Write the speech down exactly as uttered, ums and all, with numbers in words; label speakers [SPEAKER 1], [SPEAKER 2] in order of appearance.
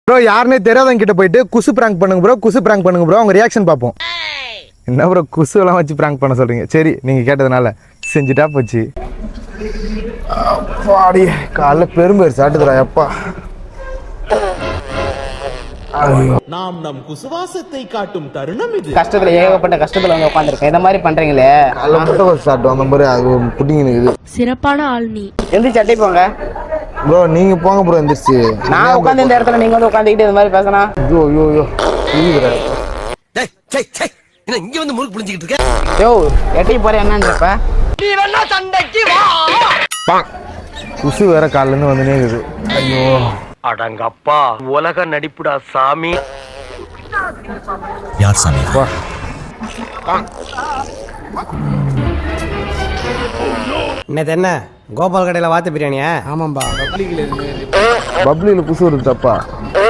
[SPEAKER 1] Bro யாருனே தெரியாதவங்க கிட்ட போயிட்டு குசு பிராங்க் பண்ணுங்க ப்ரோ, குசு பிராங்க் பண்ணுங்க ப்ரோ, அவங்க ரியாக்ஷன் பார்ப்போம். என்ன ப்ரோ குசு எல்லாம் வச்சு பிராங்க் பண்ண சொல்றீங்க? சரி நீங்க கேட்டதுனால செஞ்சுட்டா போச்சு. அப்பாடி காலைல பெரும்பேர் சாட்டுதுரா எப்பா.
[SPEAKER 2] நாம் நம் குசுவாசத்தை காட்டும் தருணம் இது.
[SPEAKER 3] கஷ்டத்துல ஏகப்பட்ட கஷ்டத்துல வந்து உட்காந்துருக்கேன். இந்த மாதிரி பண்றீங்களே.
[SPEAKER 1] காலைல மட்டும் ஒரு சாப்பிட்டு வந்த மாதிரி அது புட்டிங்க இருக்குது.
[SPEAKER 4] சிறப்பான ஆள் நீ.
[SPEAKER 3] எந்த சட்டை போங்க
[SPEAKER 1] ப்ரோ, நீங்க போங்க ப்ரோ. எந்திரிச்சு
[SPEAKER 3] நான் உட்காந்து இந்த இடத்துல நீங்க வந்து உட்காந்துக்கிட்டு இந்த மாதிரி பேசணும்.
[SPEAKER 1] ஐயோ ஐயோ ஐயோ புரியுதுடா.
[SPEAKER 5] டேய் டேய் டேய் என்ன இங்க வந்து முறுக்கு புளிஞ்சிக்கிட்டு இருக்க?
[SPEAKER 3] யோ எட்டி போற என்னன்றப்ப
[SPEAKER 5] நீ வேணா சண்டைக்கு வா.
[SPEAKER 1] குசு வேற காலைல இருந்து வந்துனே இருக்குது. ஐயோ
[SPEAKER 5] அடங்கப்பா உலக நடிப்புடா சாமி.
[SPEAKER 6] யார் சாமி?
[SPEAKER 7] என்னது என்ன கோபால் கடையில் வாத்து பிரியாணியா? ஆமாம்பா.
[SPEAKER 1] பப்ளியில் குசு வருது தப்பா.